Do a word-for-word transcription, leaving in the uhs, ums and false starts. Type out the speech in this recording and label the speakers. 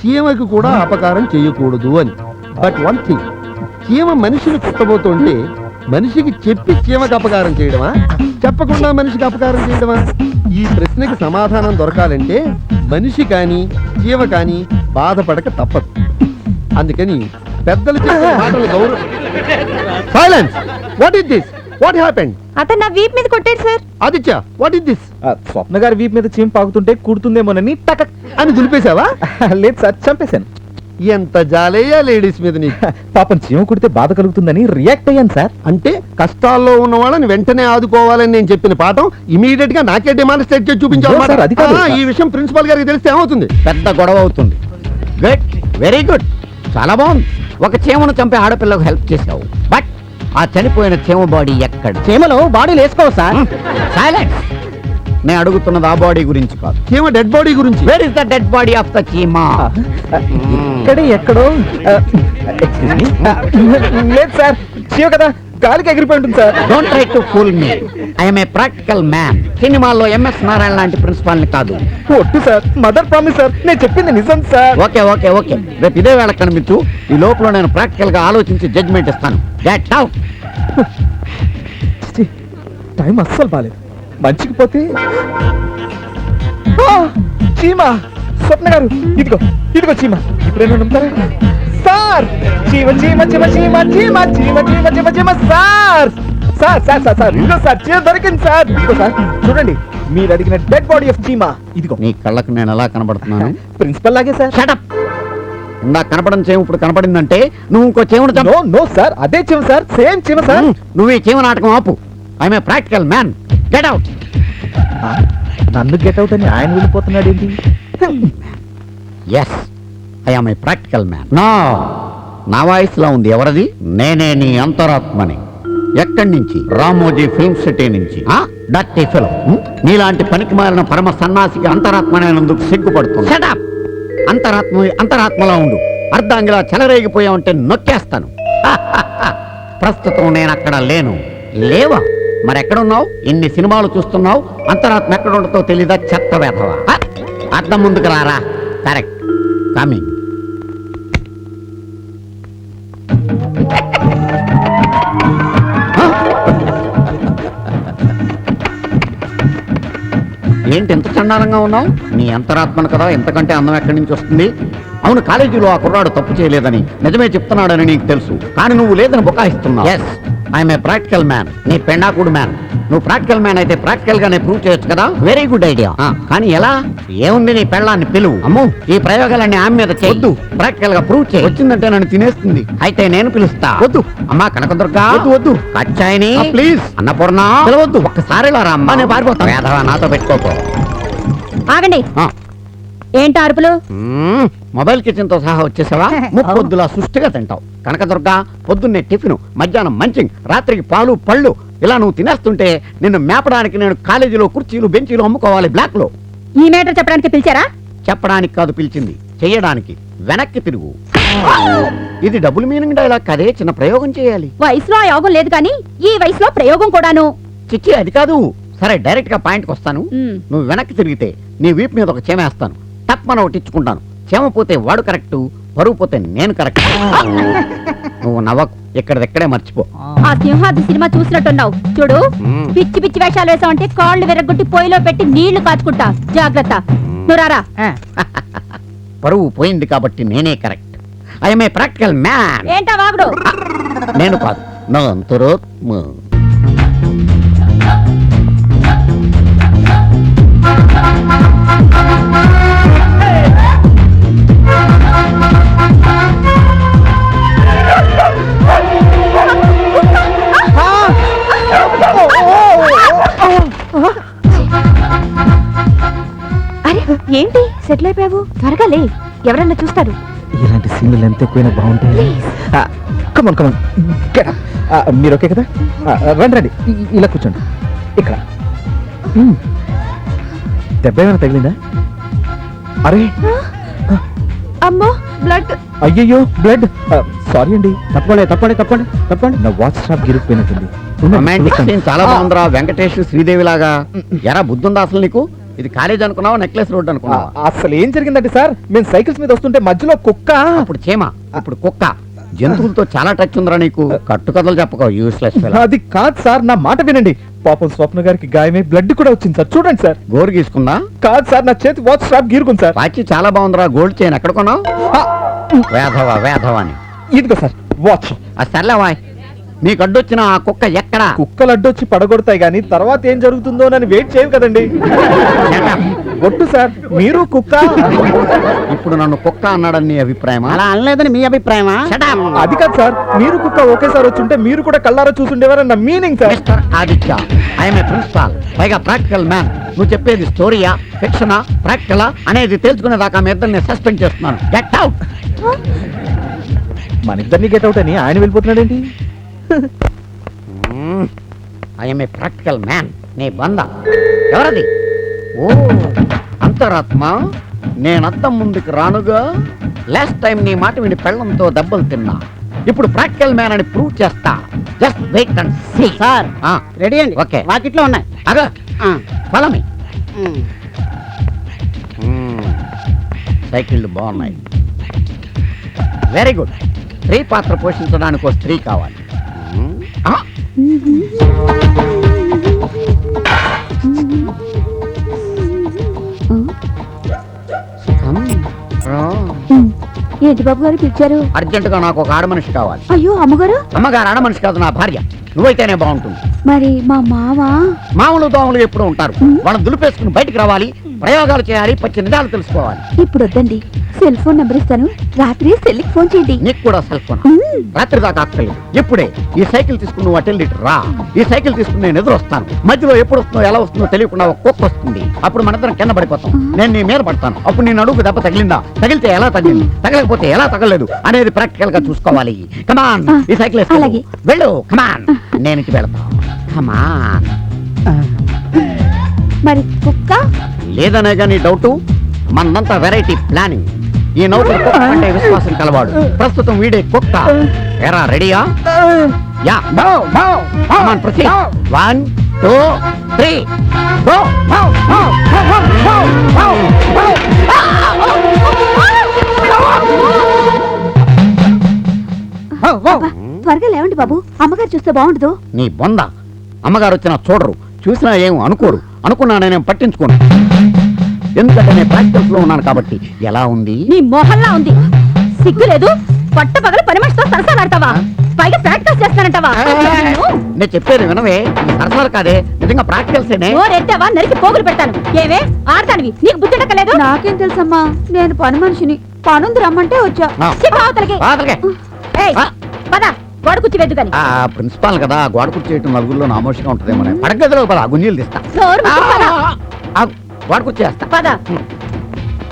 Speaker 1: చీమకి కూడా అపకారం చేయకూడదు అని. బట్ వన్ థింగ్, చీమ మనిషిని కుట్టబోతుంటే మనిషికి చెప్పి చీమకి అపకారం చేయడమా, చెప్పకుండా మనిషికి అపకారం చేయడమా? ఈ ప్రశ్నకి సమాధానం దొరకాలంటే మనిషి కానీ చీమ కానీ బాధపడక తప్పదు. అందుకని పెద్దలు చెప్పే మాటలు గౌరవం. Silence. What is this? What happened?
Speaker 2: అతను నా వీప్ మీద కొట్టాడు sir.
Speaker 1: Aditya, what is this?
Speaker 3: Swapna గారి వీప్ మీద చీమ పాకుతుంటే కుడుతుందేమోనని టక్
Speaker 1: అని దులిపేశావా?
Speaker 3: లేదు సార్, చంపేశాను.
Speaker 1: ఎంత జాలేయా లేడీస్ మీద నీకు.
Speaker 3: పాపం చీమ కుడితే బాధ కలుగుతుందని రియాక్ట్ అయ్యాను సార్.
Speaker 1: అంటే కష్టాల్లో ఉన్న వాళ్ళని వెంటనే ఆదుకోవాలని నేను చెప్పిన పాఠం ఇమీడియట్ గా నాకే డెమాన్స్ట్రేట్ చేసి చూపించాలి.
Speaker 3: సార్, అది కాదు.
Speaker 1: ఈ విషయం ప్రిన్సిపల్ గారికి తెలిస్తే ఏమవుతుంది?
Speaker 4: పెద్ద గొడవ అవుతుంది. గుడ్, వెరీ గుడ్, చాలా బాగుంది. ఒక చీమను చంపే ఆడపిల్లకు హెల్ప్ చేసావు. బట్ ఆ చనిపోయిన చీమ బాడీ ఎక్కడ?
Speaker 3: చీమలో బాడీలు వేసుకోవు సార్.
Speaker 4: సైలెన్స్. నేను అడుగుతున్నది ఆ బాడీ గురించి కాదు,
Speaker 1: చీమ డెడ్ బాడీ గురించి.
Speaker 4: Where is the dead body of the cheema?
Speaker 3: ఇక్కడే ఎక్కడో. లేదు సార్, చీమ కదా గాలికి ఎగిరిపోయి ఉంటుంది sir.
Speaker 4: Don't try to fool me. I'm a practical man. సినిమాల్లో ఎంఎస్ నారాయణ లాంటి ప్రిన్సిపాల్ ని కాదు.
Speaker 3: ఒట్టు సార్, మదర్ ప్రామిస్ సార్, నేను చెప్పింది నిజం సార్.
Speaker 4: ఓకే ఓకే ఓకే, రేపు ఇదే వేళ కనిపించు. ఈ లోపల నేను ప్రాక్టికల్ గా ఆలోచించి జడ్జ్మెంట్ ఇస్తాను. Get out.
Speaker 3: టైం అస్సలు బాలేదు. మంచికి పోతే చీమ. స్వప్న గారు, ఇదిగో ఇదిగో చీమ. ఇప్పుడేమో నమ్ముతారా సార్? చీమ చీమ చీమ చీమ చీమ చీమ చీమ చీమ చీమ sir. Sir sir sir sir ఇదిగో సార్, చీమ దొరికింది సార్. ఇదిగో సార్, చూడండి, మీరు అడిగిన డెడ్ బాడీ ఆఫ్ చీమ ఇదిగో.
Speaker 4: నీ కళ్ళకు నేను ఎలా కనబడుతున్నాను?
Speaker 3: ప్రిన్సిపల్ లాగే సార్.
Speaker 4: షటప్. ఇందా కనపడని చీమ ఇప్పుడు కనపడిందంటే నువ్వు ఇంకో చీమను చంపు.
Speaker 3: నో నో సార్, అదే చీమ సార్, సేమ్ చీమ సార్.
Speaker 4: నువ్వు ఈ చీమ నాటకం ఆపు. I'm a practical man. Get out.
Speaker 3: నన్ను గెట్ అవుట్ అని ఆయన వెళ్ళిపోతున్నాడు ఏంటి?
Speaker 4: Yes, I'm a practical man. నా నా వాయిస్లో ఉంది. ఎవరది? నేనే నీ అంతరాత్మని. ఎక్కడి నుంచి? రామోజీ ఫిల్మ్ సిటీ నుంచి. Dirty film. నీలాంటి పనికి మారిన పరమ సన్నాసికి అంతరాత్మనేందుకు సిగ్గుపడుతుంది. షటప్. అంతరాత్మ అంతరాత్మలా ఉండు. అర్ధాంగిలా చెలరేగిపోయావంటే నొక్కేస్తాను. ప్రస్తుతం నేను అక్కడ లేను. లేవా? మరెక్కడున్నావు? ఇన్ని సినిమాలు చూస్తున్నావు, అంతరాత్మ ఎక్కడ ఉండతో తెలీదా? చెత్త వేధవా. అర్థం ముందుకు రారా. Correct, coming. ఏంటి ఎంత చండాలంగా ఉన్నావు? నీ అంతరాత్మను కదా, ఎంతకంటే అందం ఎక్కడి నుంచి వస్తుంది? అవును, కాలేజీలో ఆ కుర్రాడు తప్పు చేయలేదని నిజమే చెప్తున్నాడని నీకు తెలుసు, కానీ నువ్వు లేదని బుకాయిస్తున్నావు. Yes, I'm a practical man. నీ పెండాకుడు మ్యాన్. నువ్వు ప్రాక్టికల్ మ్యాన్ అయితే ప్రాక్టికల్ గానే ప్రూవ్ చేయొచ్చు కదా. Very good idea. కానీ ఎలా? ఏముంది, నీ పెళ్ళాన్ని పిలువు. అమ్మో, ఈ ప్రయోగాలన్నీ ఆమె మీద చేయొద్దు. ప్రాక్టికల్ గా ప్రూవ్ చేయి. వచ్చిందంటే నన్ను తినేస్తుంది. అయితే నేను పిలుస్తా. వద్దు అమ్మా కనకదుర్గా. వద్దు వద్దు. కచ్చాయిని ప్లీజ్. అన్నపూర్ణ పిలవద్దు. ఒక్కసారి రా అమ్మా, నేను పారిపోతాను. వేధవా, నాతో పెట్టుకోకు.
Speaker 2: ఆగండి. ఏంటి అరుపులు?
Speaker 4: మొబైల్ కిచెన్ తో సహా వచ్చేసావా? ముప్పొద్దులా సుష్టిగా తింటావు. కనకదుర్గా, పొద్దున్నే టిఫిన్, మధ్యాహ్నం మంచింగ్, రాత్రికి పాలు పళ్ళు. ఇలా నువ్వు తినేస్తుంటే నిన్ను మేపడానికి నేను కాలేజీలో కుర్చీలు బెంచీలు అమ్ముకోవాలి బ్లాక్ లో.
Speaker 2: ఈ మేటర్ చెప్పడానికి పిలిచారా?
Speaker 4: చెప్పడానికి కాదు పిలిచింది, చెయ్యడానికి. వెనక్కి తిరుగు. ఇది డబుల్ మీనింగ్ డైలాగ్ కదే, చిన్న ప్రయోగం చేయాలి.
Speaker 2: వయసులో ఆ యోగం లేదు కానీ ఈ వయసులో ప్రయోగం కూడాను.
Speaker 4: చిచ్చి, అది కాదు. సరే, డైరెక్ట్ గా పాయింట్కి వస్తాను. నువ్వు వెనక్కి తిరిగితే నీ వీపు మీద ఒక చీమ వేస్తాను. తప్పన ఒకటి ఇచ్చుకుంటాను. చీమ పోతే వాడు కరెక్ట్, పరువు పోతే నేను కరెక్ట్. నువ్వు నవ్వకు, ఇక్కడెక్కడే మర్చిపో.
Speaker 2: ఆ సింహాద్రి సినిమా చూసినట్టున్నావు. చూడు, పిచ్చి పిచ్చి వేషాలు వేసావంటే కాళ్ళు విరగొట్టి పొయ్యిలో పెట్టి నీళ్లు కాచుకుంటా. జాగ్రత్త. నువ్వు రారా.
Speaker 4: పరువు పోయింది కాబట్టి నేనే correct. I'm a practical man.
Speaker 2: ఏంటా వాగుడు?
Speaker 4: నేను కాదు, నా అంతరాత్మ.
Speaker 2: అరే ఏంటి సెటిల్ అయిపోయావు? త్వరగా లే, ఎవరన్నా చూస్తారు.
Speaker 3: ఇలాంటి సీన్లు ఎంత ఎక్కువైనా బాగుంటాయి. కమన్ కమన్, మీరు ఓకే కదా? రండి రండి, ఇలా కూర్చోండి. ఇక్కడ దెబ్బ ఏమైనా తగిలిందా? అరే
Speaker 2: అమ్మో, బ్లడ్.
Speaker 3: అయ్యయ్యో, బ్లడ్. సారీ అండి. తప్పండి తప్పండి తప్పండి తప్పండి. నా వాచ్ షాప్ గిరిగిపోయినట్టుంది.
Speaker 4: చాలా బాగుందిరా, వెంకటేష్ శ్రీదేవి లాగా. ఎరా బుద్ధుందా అసలు నీకు? ఇది కాలేజ్ అనుకున్నావా నెక్లెస్ రోడ్ అనుకున్నావా?
Speaker 3: అసలు ఏం జరిగిందంటే సార్ మేము సైకిల్స్ మీద వస్తుంటే మధ్యలో కుక్క
Speaker 4: అప్పుడు చీమ, ఇప్పుడు కుక్క. జంతువులతో చాలా టచ్ ఉందిరా నీకు. కట్టుకథలు చెప్పకో యూస్లెస్.
Speaker 3: అది కాదు సార్, నా మాట వినండి. పాపం స్వప్న గారికి గాయమై బ్లడ్ కూడా వచ్చింది సార్, చూడండి సార్.
Speaker 4: గోరు గీసుకుందా?
Speaker 3: కాదు సార్, నా చేతి వాచ్ స్ట్రాప్ గీరుకుంది సార్.
Speaker 4: వాచి చాలా బాగుందిరా. గోల్డ్ చైన్ ఎక్కడ కొన్నావు?
Speaker 3: ఆ,
Speaker 4: వేధవా వేధవా అని.
Speaker 3: ఇదిగో సార్ వాచ్.
Speaker 4: ఆ సర్లేవా, నీకు అడ్డొచ్చిన ఆ కుక్క ఎక్కడా?
Speaker 3: కుక్కలు అడ్డొచ్చి పడగొడతాయి కానీ తర్వాత ఏం జరుగుతుందో అని వెయిట్ చేయవు కదండి. ఒట్టు సార్, మీరు కుక్క.
Speaker 4: ఇప్పుడు నన్ను కుక్క అన్నాడని నీ అభిప్రాయమా?
Speaker 5: అలా అనలేదని మీ అభిప్రాయమా?
Speaker 3: అది కాదు సార్, మీరు కుక్క ఒకేసారి వచ్చుంటే మీరు కూడా కళ్ళారా చూసుండేవారన్న meaning sir.
Speaker 4: Mister Aditya, I'm a principal, పైగా ప్రాక్టికల్ మ్యాన్. నువ్వు చెప్పేది స్టోరీయా, ఫిక్షనా, ప్రాక్టికలా అనేది తెలుసుకునేదాకా మీ ఇద్దరిని సస్పెండ్ చేస్తున్నాను. Get out.
Speaker 3: మన ఇద్దరిని గెట్ అవుట్ అని ఆయన వెళ్ళిపోతున్నాడేంటి?
Speaker 4: I'm a practical man. నీ బంద ఎవరది? ఓ అంతరాత్మ, నేనంతం ముందుకు రానుగా. లాస్ట్ టైం నీ మాట విని పెళ్ళంతో దెబ్బలు తిన్నా. ఇప్పుడు ప్రాక్టికల్ మ్యాన్ అని ప్రూవ్ చేస్తా. Just wait and see.
Speaker 5: Sir
Speaker 4: ఆ,
Speaker 5: రెడీ అండి.
Speaker 4: ఓకే.
Speaker 5: వాకిట్లో ఉన్నాయి.
Speaker 4: అగా
Speaker 5: ఆ,
Speaker 4: ఫాలో మీ.
Speaker 5: ఉమ్.
Speaker 4: సైకిళ్ళు బాగున్నాయి. Very good. స్త్రీ పాత్ర పోషించడానికి ఒక స్త్రీ కావాలి. ఆ, come, రా.
Speaker 2: ఏంటి బాబు గారు పిలిచారు?
Speaker 4: అర్జెంటుగా నాకు ఒక ఆడ మనిషి కావాలి.
Speaker 2: అయ్యో అమ్మగారు,
Speaker 4: అమ్మగారు ఆడ మనిషి కాదు, నా భార్య. నువ్వైతేనే బాగుంటుంది.
Speaker 2: మరి మా మామ
Speaker 4: మామూలు దోమలు ఎప్పుడూ ఉంటారు. వాళ్ళని దులిపేసుకుని బయటికి రావాలి. ప్రయోగాలు చేయాలి. పచ్చి నిజాలు తెలుసుకోవాలి.
Speaker 2: ఇప్పుడు వద్దండి, సెల్ ఫోన్ నెంబర్ ఇస్తాను. రాత్రి సెల్కి ఫోన్ చేయండి.
Speaker 4: నీకు కూడా సెల్ ఫోన్
Speaker 2: మ్మ్.
Speaker 4: రాత్రి దాకా అక్కర్లేదు. ఇప్పుడే ఈ సైకిల్ తీసుకుని నువ్వు అటెండ్ ఇటు రా. ఈ సైకిల్ తీసుకుని నేను ఎదురు వస్తాను. మధ్యలో ఎప్పుడు వస్తుందో ఎలా వస్తుందో తెలియకుండా ఒక కుక్క వస్తుంది. అప్పుడు మనందరం కింద పడిపోతాం. నేను నీ మీద పడతాను. అప్పుడు నీ నడుగు దెబ్బ తగిలిందా, తగిలితే ఎలా తగిలింది, తగలకపోతే ఎలా తగలలేదు అనేది ప్రాక్టికల్ గా చూసుకోవాలి. కమాన్, ఈ సైకిల్ వేసుకో.
Speaker 2: అలాగే.
Speaker 4: వెళ్ళు, కమాన్. నేను ఇంటికి వెళ్తాను. కమాన్.
Speaker 2: మరి కుక్క?
Speaker 4: లేదనే కానీ డౌట్. మనంతా వెరైటీ ప్లానింగ్. ఈ నౌకరు కుక్క అంటే విశ్వాసం కలవాడు. ప్రస్తుతం వీడే కుక్క. ఎరా రెడీయా? Yeah. Come on proceed. One two three go.
Speaker 2: అబ్బా, త్వరగా లేవండి బాబు, అమ్మగారు చూస్తే బాగుండదు.
Speaker 4: నీ బొంద. అమ్మగారు వచ్చినా చూడరు, చూసినా ఏం అనుకోరు. అనుకున్నా నేనేం పట్టించుకోను. ఎందుకంటే నేను ప్రాక్టికల్స్ లో ఉన్నాను కాబట్టి. ఎలా ఉంది?
Speaker 2: నీ మొహల్లా ఉంది. సిగ్గు లేదు. పట్ట పగల పని మనిషితో సరసాలాడతావా? పైగా ప్రాక్టీస్ చేస్తానంటావా?
Speaker 4: నేను చెప్పేది వినవే. సరసాలు కాదే, నిజంగా ప్రాక్టికల్సేనే.
Speaker 2: ఎత్తావా నరికి పోగులు పెడతాను. ఏవే ఆడతానివి, నీకు బుద్ధి ఉండకలేదు? నాకేం తెలుసమ్మా, నేను పని మనిషిని. పనుంది రమ్మంటే వచ్చా.
Speaker 4: ఆ.
Speaker 2: సిగ్గు అవతలకి.
Speaker 4: బాధలకే.
Speaker 2: ఏయ్,
Speaker 4: ఆ.
Speaker 2: పద, గోడ కుర్చీ వెద్దు గాని.
Speaker 4: ఆ ప్రిన్సిపాల్ కదా, గోడ కూర్చేయటం నలుగురిలో నామోషిగా ఉంటుందేమో. పడగదిలో పద, గుంజీలు తీస్తా.
Speaker 2: నోరు మూసుకు పద.
Speaker 4: ఆ, గోడ కూర్చేస్తా.
Speaker 2: పద.